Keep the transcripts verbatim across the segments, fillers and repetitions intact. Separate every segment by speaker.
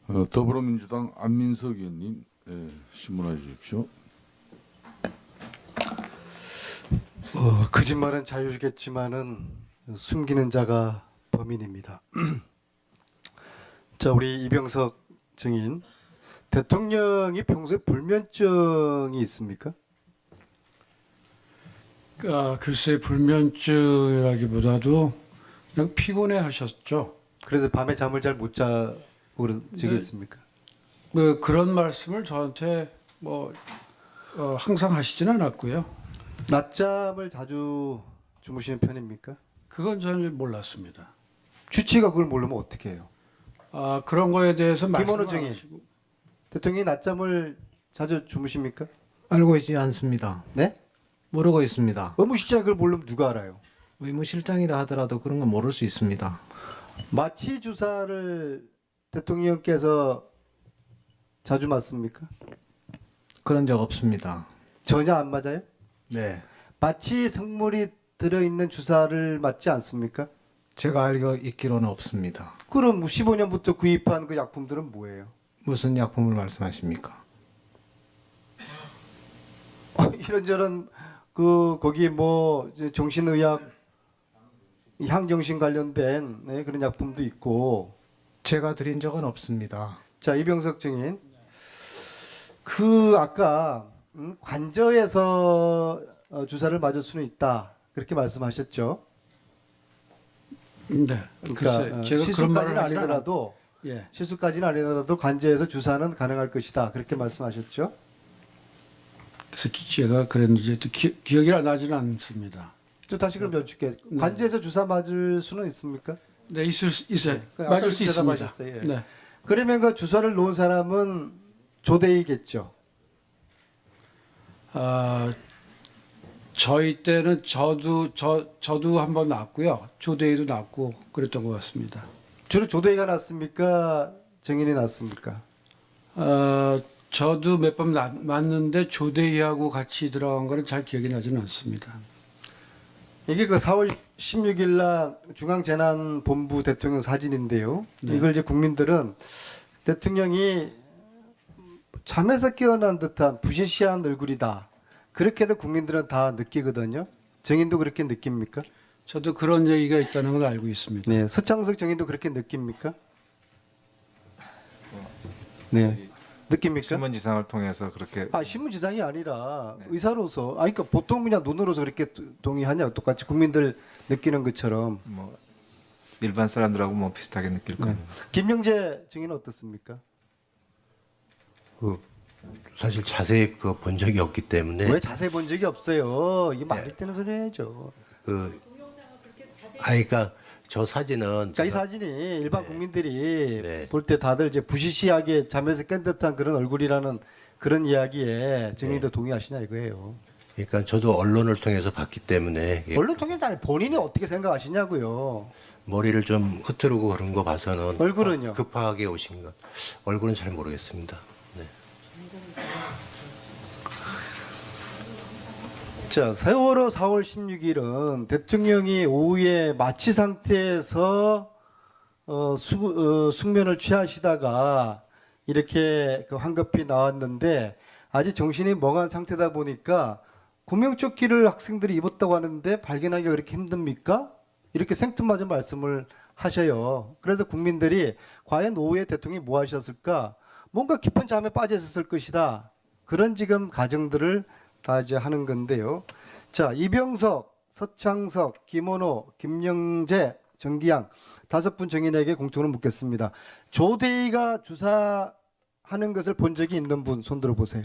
Speaker 1: 어, 더불어민주당 안민석 의원님, 예, 신문해 주십시오.
Speaker 2: 어, 거짓말은 자유겠지만은 숨기는 자가 범인입니다. 자, 우리 이병석 증인, 대통령이 평소에 불면증이 있습니까?
Speaker 3: 아, 글쎄 불면증이라기보다도 그냥 피곤해 하셨죠.
Speaker 2: 그래서 밤에 잠을 잘 못 자고 그러시겠습니까?
Speaker 3: 뭐 그런 말씀을 저한테 뭐 어, 항상 하시지는 않았고요.
Speaker 2: 낮잠을 자주 주무시는 편입니까?
Speaker 3: 그건 저는 몰랐습니다.
Speaker 2: 주치가 그걸 모르면 어떻게 해요?
Speaker 3: 아, 그런 거에 대해서 말씀을
Speaker 2: 김원호
Speaker 3: 안
Speaker 2: 증인.
Speaker 3: 하시고.
Speaker 2: 대통령이 낮잠을 자주 주무십니까?
Speaker 4: 알고 있지 않습니다.
Speaker 2: 네?
Speaker 4: 모르고 있습니다.
Speaker 2: 의무실장이 그걸 모르면 누가 알아요?
Speaker 4: 의무실장이라 하더라도 그런 건 모를 수 있습니다.
Speaker 2: 마취 주사를 대통령께서 자주 맞습니까?
Speaker 4: 그런 적 없습니다.
Speaker 2: 전혀 안 맞아요?
Speaker 4: 네.
Speaker 2: 마취 성물이 들어있는 주사를 맞지 않습니까?
Speaker 4: 제가 알고 있기로는 없습니다.
Speaker 2: 그럼 십오 년부터 구입한 그 약품들은 뭐예요?
Speaker 4: 무슨 약품을 말씀하십니까?
Speaker 2: 어, 이런저런 그 거기 뭐 이제 정신의학, 향정신 관련된 네, 그런 약품도 있고.
Speaker 4: 제가 드린 적은 없습니다.
Speaker 2: 자, 이병석 증인, 그 아까 음, 관저에서 어, 주사를 맞을 수는 있다 그렇게 말씀하셨죠?
Speaker 3: 네.
Speaker 2: 그러니까
Speaker 3: 글쎄
Speaker 2: 어,
Speaker 3: 제가 그런 말을
Speaker 2: 실수까지는
Speaker 3: 하진 않았-
Speaker 2: 아니더라도
Speaker 3: 예.
Speaker 2: 실수까지는 아니더라도 관저에서 주사는 가능할 것이다 그렇게 말씀하셨죠?
Speaker 3: 그래서 기- 제가 그랬는지 또 기, 기억이 나지는 않습니다.
Speaker 2: 또 다시 그럼 여쭙게
Speaker 3: 네.
Speaker 2: 관저에서 주사 맞을 수는 있습니까?
Speaker 3: 네, 있을 수 있어요.
Speaker 2: 네, 그
Speaker 3: 맞을
Speaker 2: 아까
Speaker 3: 수 있습니다.
Speaker 2: 대답하셨어요. 예.
Speaker 3: 네.
Speaker 2: 그러면 그 주사를 놓은 사람은 조대이겠죠.
Speaker 3: 아, 저희 때는 저도 저 저도 한번 났고요. 조대희도 났고 그랬던 것 같습니다.
Speaker 2: 주로 조대이가 났습니까? 정인이 났습니까?
Speaker 3: 어, 저도 몇 번 맞는데 조대희하고 같이 들어간 거는 잘 기억이 나지는 않습니다.
Speaker 2: 이게 그 사월 십육일 날 중앙재난본부 대통령 사진인데요.
Speaker 3: 네.
Speaker 2: 이걸 이제 국민들은 대통령이 잠에서 깨어난 듯한 부시시한 얼굴이다. 그렇게도 국민들은 다 느끼거든요. 정인도 그렇게 느낍니까?
Speaker 3: 저도 그런 얘기가 있다는 걸 알고 있습니다.
Speaker 2: 네, 서창석 정인도 그렇게 느낍니까? 네, 느낍니까?
Speaker 5: 신문지상을 통해서 그렇게
Speaker 2: 아, 신문지상이 아니라 의사로서, 아, 그러니까 보통 그냥 눈으로서 그렇게 동의하냐, 똑같이 국민들 느끼는 것처럼.
Speaker 5: 뭐 일반 사람들하고 뭐 비슷하게 느낄
Speaker 2: 네.
Speaker 5: 겁니다.
Speaker 2: 김영재 증인은 어떻습니까?
Speaker 6: 그 사실 자세히 그 본 적이 없기 때문에
Speaker 2: 왜 자세히 본 적이 없어요? 이게 말이 되는 소리 해야죠.
Speaker 6: 그 아니 그러니까 저 사진은
Speaker 2: 그러니까 이
Speaker 6: 제가-
Speaker 2: 사진이 일반
Speaker 6: 네.
Speaker 2: 국민들이
Speaker 6: 네.
Speaker 2: 볼 때 다들 이제 부시시하게 잠에서 깬 듯한 그런 얼굴이라는 그런 이야기에 증인도
Speaker 6: 네.
Speaker 2: 동의하시냐 이거예요.
Speaker 6: 그러니까 저도 언론을 통해서 봤기 때문에 이게
Speaker 2: 언론 통해서 아니 본인이 어떻게 생각하시냐고요.
Speaker 6: 머리를 좀 흐트르고 그런 거 봐서는
Speaker 2: 얼굴은요?
Speaker 6: 급하게 오신 것 얼굴은 잘 모르겠습니다. 네.
Speaker 2: 자, 세월호 사월 십육일은 대통령이 오후에 마취 상태에서 어, 수, 어, 숙면을 취하시다가 이렇게 그 황급히 나왔는데 아직 정신이 멍한 상태다 보니까 구명조끼를 학생들이 입었다고 하는데 발견하기가 그렇게 힘듭니까? 이렇게 생뚱맞은 말씀을 하셔요. 그래서 국민들이 과연 오후에 대통령이 뭐 하셨을까? 뭔가 깊은 잠에 빠져 있었을 것이다. 그런 지금 가정들을 다 이제 하는 건데요. 자, 이병석, 서창석, 김원호, 김영재, 정기양 다섯 분 정인에게 공통으로 묻겠습니다. 조대희가 주사하는 것을 본 적이 있는 분 손 들어 보세요.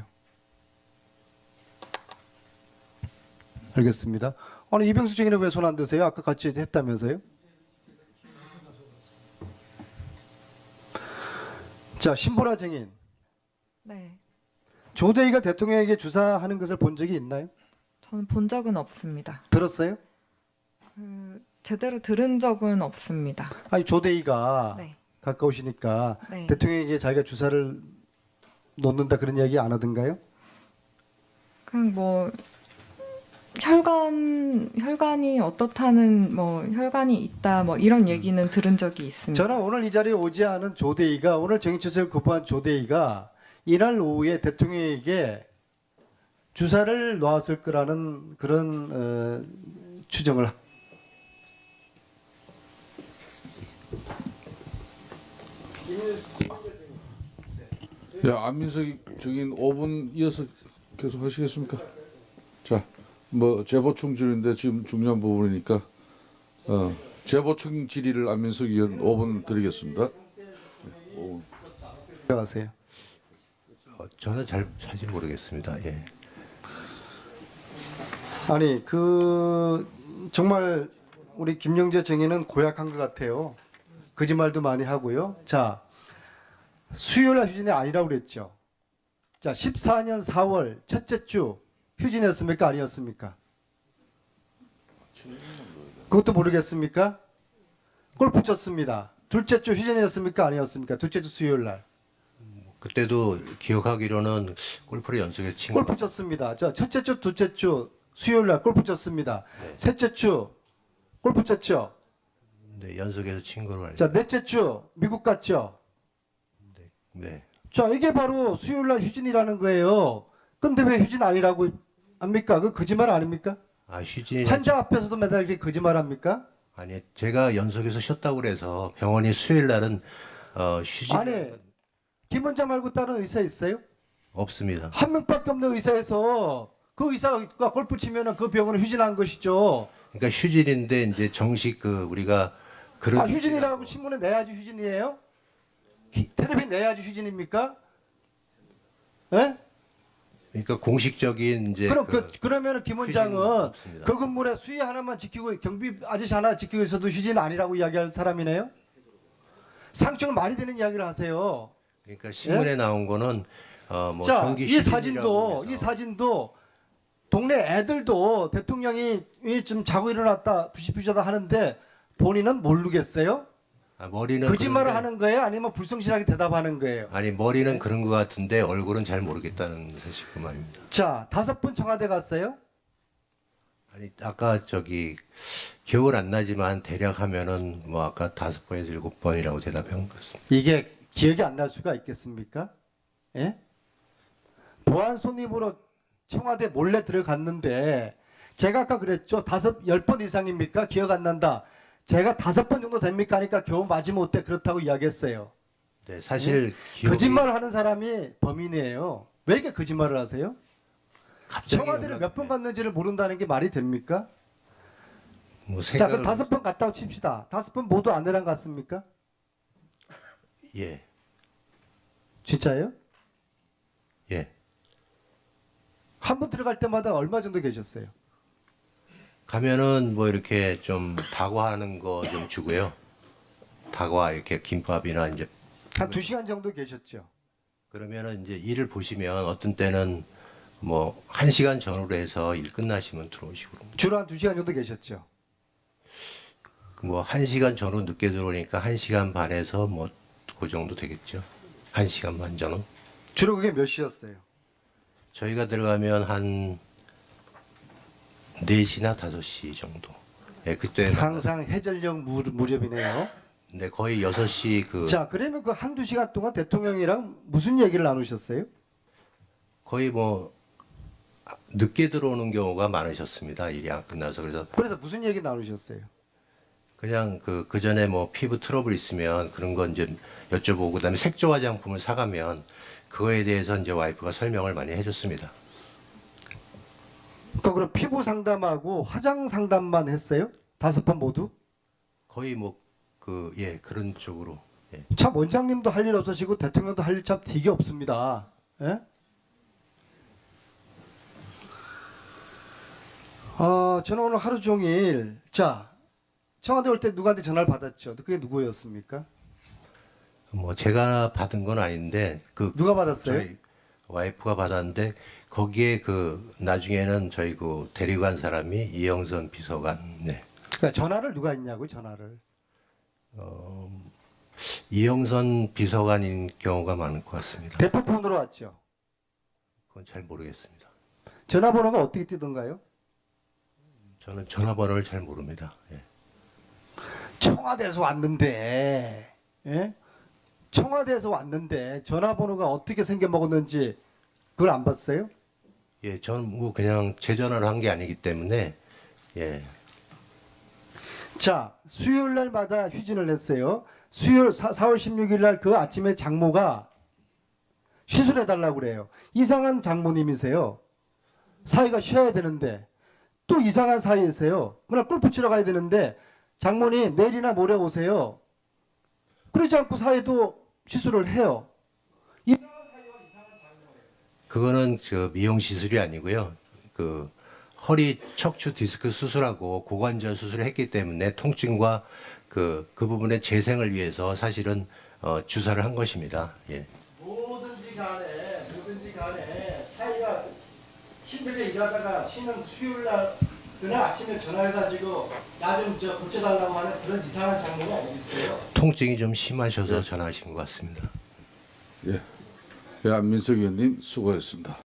Speaker 2: 알겠습니다. 아니 이병석 증인은 왜 손 안 드세요? 아까 같이 했다면서요? 자, 신보라 증인.
Speaker 7: 네,
Speaker 2: 조대희가 대통령에게 주사하는 것을 본 적이 있나요?
Speaker 7: 저는 본 적은 없습니다.
Speaker 2: 들었어요?
Speaker 7: 그, 제대로 들은 적은 없습니다.
Speaker 2: 아니 조대희가
Speaker 7: 네,
Speaker 2: 가까우시니까
Speaker 7: 네.
Speaker 2: 대통령에게 자기가 주사를 놓는다 그런 이야기 안 하던가요?
Speaker 7: 그냥 뭐 혈관 혈관이 어떻다는 뭐 혈관이 있다 뭐 이런 얘기는 들은 적이 있습니다.
Speaker 2: 저는 오늘 이 자리에 오지 않은 조대희가 오늘 정치처를 거부한 조대희가 이날 오후에 대통령에게 주사를 놓았을 거라는 그런 어, 추정을 합니다.
Speaker 1: 예, 안민석 증인 오 분 이어서 계속 하시겠습니까? 자, 뭐 재보충 질인데 지금 중요한 부분이니까 어, 재보충 질의를 안민석 의원 오 분 드리겠습니다.
Speaker 2: 들어가세요.
Speaker 6: 어, 저는 잘 사실 모르겠습니다. 예.
Speaker 2: 아니 그 정말 우리 김영재 증인은 고약한 것 같아요. 거짓말도 많이 하고요. 자, 수요일 휴진이 아니라고 그랬죠. 자, 십사 년 사월 첫째 주 휴진이었습니까? 아니었습니까? 그것도 모르겠습니까? 골프 쳤습니다. 둘째 주 휴진이었습니까? 아니었습니까? 둘째 주 수요일 날.
Speaker 6: 그때도 기억하기로는 골프를 연속해서 친 거.
Speaker 2: 골프 쳤습니다. 자, 첫째 주, 둘째 주 수요일 날 골프 쳤습니다.
Speaker 6: 네.
Speaker 2: 셋째 주 골프 쳤죠.
Speaker 6: 네, 연속해서 친 거로 알고.
Speaker 2: 자, 넷째 주 미국 갔죠.
Speaker 6: 네.
Speaker 2: 자, 이게 바로 수요일 날 휴진이라는 거예요. 근데 왜 휴진 아니라고 합니까? 그 거짓말 아닙니까?
Speaker 6: 아, 휴진이
Speaker 2: 환자 앞에서도 맨날 이렇게 거짓말 합니까?
Speaker 6: 아니, 제가 연속해서 쉬었다고 그래서 병원이 수요일 날은 어, 휴진
Speaker 2: 아니, 김 원장 말고 다른 의사 있어요?
Speaker 6: 없습니다.
Speaker 2: 한 명밖에 없는 의사에서 그 의사가 골프 치면은 그 병원은 휴진한 것이죠.
Speaker 6: 그러니까 휴진인데 이제 정식 그 우리가 그런
Speaker 2: 아, 휴진이라고 신문에 내야지 휴진이에요? 기- 텔레비 내야지 휴진입니까? 예?
Speaker 6: 그러니까 공식적인 이제
Speaker 2: 그럼 그,
Speaker 6: 그
Speaker 2: 그러면은 김
Speaker 6: 휴진은
Speaker 2: 원장은
Speaker 6: 없습니다.
Speaker 2: 그 건물에 수위 하나만 지키고 경비 아저씨 하나 지키고 있어도 휴진 아니라고 이야기할 사람이네요? 상식을 말이 되는 이야기를 하세요.
Speaker 6: 그러니까 신문에 나온 거는 어, 뭐
Speaker 2: 자,
Speaker 6: 정기
Speaker 2: 이
Speaker 6: 휴진이라고
Speaker 2: 사진도
Speaker 6: 해서
Speaker 2: 이 사진도 동네 애들도 대통령이 좀 자고 일어났다 부시부시하다 하는데 본인은 모르겠어요?
Speaker 6: 아, 머리는
Speaker 2: 거짓말을
Speaker 6: 그런데-
Speaker 2: 하는 거예요? 아니면 불성실하게 대답하는 거예요?
Speaker 6: 아니 머리는 그런 것 같은데 얼굴은 잘 모르겠다는 사실 그 말입니다.
Speaker 2: 자, 다섯 분 청와대 갔어요?
Speaker 6: 아니 아까 저기 기억은 안 나지만 대략 하면은 뭐 아까 다섯 번에서 일곱 번이라고 대답한 것 같습니다.
Speaker 2: 이게 기억이 안 날 수가 있겠습니까? 예? 보안 손님으로 청와대 몰래 들어갔는데 제가 아까 그랬죠. 다섯, 열 번 이상입니까? 기억 안 난다. 제가 다섯 번 정도 됩니까? 하니까 겨우 마지못해 그렇다고 이야기했어요.
Speaker 6: 네, 사실 기억이
Speaker 2: 거짓말을 하는 사람이 범인이에요. 왜 이렇게 거짓말을 하세요?
Speaker 6: 갑자기
Speaker 2: 청와대를 몇 번 갔는지를 모른다는 게 말이 됩니까?
Speaker 6: 뭐
Speaker 2: 자,
Speaker 6: 생각을
Speaker 2: 그럼 다섯 번 갔다고 칩시다. 다섯 번 모두 아내랑 갔습니까?
Speaker 6: 예,
Speaker 2: 진짜예요?
Speaker 6: 예.
Speaker 2: 한 번 들어갈 때마다 얼마 정도 계셨어요?
Speaker 6: 가면은 뭐 이렇게 좀 다과하는 거 좀 주고요. 다과 이렇게 김밥이나 이제
Speaker 2: 한 두 시간 정도 계셨죠?
Speaker 6: 그러면은 이제 일을 보시면 어떤 때는 뭐 한 시간 전후로 해서 일 끝나시면 들어오시고 그럽니다.
Speaker 2: 주로 한 두 시간 정도 계셨죠?
Speaker 6: 뭐 한 시간 전후 늦게 들어오니까 한 시간 반에서 뭐 그 정도 되겠죠. 한 시간 반 전후.
Speaker 2: 주로 그게 몇 시였어요?
Speaker 6: 저희가 들어가면 한 네 시나 다섯 시 정도. 예, 그때
Speaker 2: 항상 해전력 무, 무렵이네요.
Speaker 6: 근데 거의 여섯 시 그
Speaker 2: 자, 그러면 그 한두 시간 동안 대통령이랑 무슨 얘기를 나누셨어요?
Speaker 6: 거의 뭐 늦게 들어오는 경우가 많으셨습니다. 일이 안 끝나서 그래서
Speaker 2: 그래서 무슨 얘기 나누셨어요?
Speaker 6: 그냥 그, 그 전에 뭐 피부 트러블 있으면 그런 건 이제 여쭤보고 그다음에 색조 화장품을 사가면 그거에 대해서 이제 와이프가 설명을 많이 해줬습니다.
Speaker 2: 그 그럼 피부 상담하고 화장 상담만 했어요? 다섯 번 모두?
Speaker 6: 거의 뭐 그 예 그런 쪽으로 예.
Speaker 2: 참 원장님도 할 일 없으시고 대통령도 할 일 참 되게 없습니다. 예? 어, 저는 오늘 하루 종일 자 청와대 올 때 누구한테 전화를 받았죠? 그게 누구였습니까?
Speaker 6: 뭐 제가 받은 건 아닌데 그
Speaker 2: 누가 받았어요?
Speaker 6: 저희 와이프가 받았는데 거기에 그 나중에는 저희 그 데리고 간 사람이 이영선 비서관 네.
Speaker 2: 그러니까 전화를 누가 했냐고 전화를.
Speaker 6: 어, 이영선 비서관인 경우가 많을 것 같습니다.
Speaker 2: 대포폰으로 왔죠.
Speaker 6: 그건 잘 모르겠습니다.
Speaker 2: 전화번호가 어떻게 뜨던가요?
Speaker 6: 저는 전화번호를 잘 모릅니다. 예.
Speaker 2: 청와대에서 왔는데, 예? 청와대에서 왔는데 전화번호가 어떻게 생겨 먹었는지 그걸 안 봤어요?
Speaker 6: 예, 저는 뭐 그냥 제 전화를 한 게 아니기 때문에 예.
Speaker 2: 자, 수요일 날마다 휴진을 했어요. 수요일 사, 사월 십육일 날 그 아침에 장모가 시술해 달라고 그래요. 이상한 장모님이세요. 사위가 쉬어야 되는데 또 이상한 사위이세요. 그날 골프 치러 가야 되는데 장모님 내일이나 모레 오세요. 그러지 않고 사위도 시술을 해요.
Speaker 6: 그거는 저 미용 시술이 아니고요. 그 허리 척추 디스크 수술하고 고관절 수술을 했기 때문에 통증과 그, 그 부분의 재생을 위해서 사실은 어, 주사를 한 것입니다. 예.
Speaker 2: 뭐든지 간에 뭐든지 간에 사이가 힘들게 일하다가 쉬는 수요일 날 그날 아침에 전화해가지고 나 좀 저 고쳐달라고 하는 그런 이상한 장면이 아니 있어요.
Speaker 6: 통증이 좀 심하셔서 전화하신 것 같습니다.
Speaker 1: 예, 예, 안민석 의원님 수고했습니다.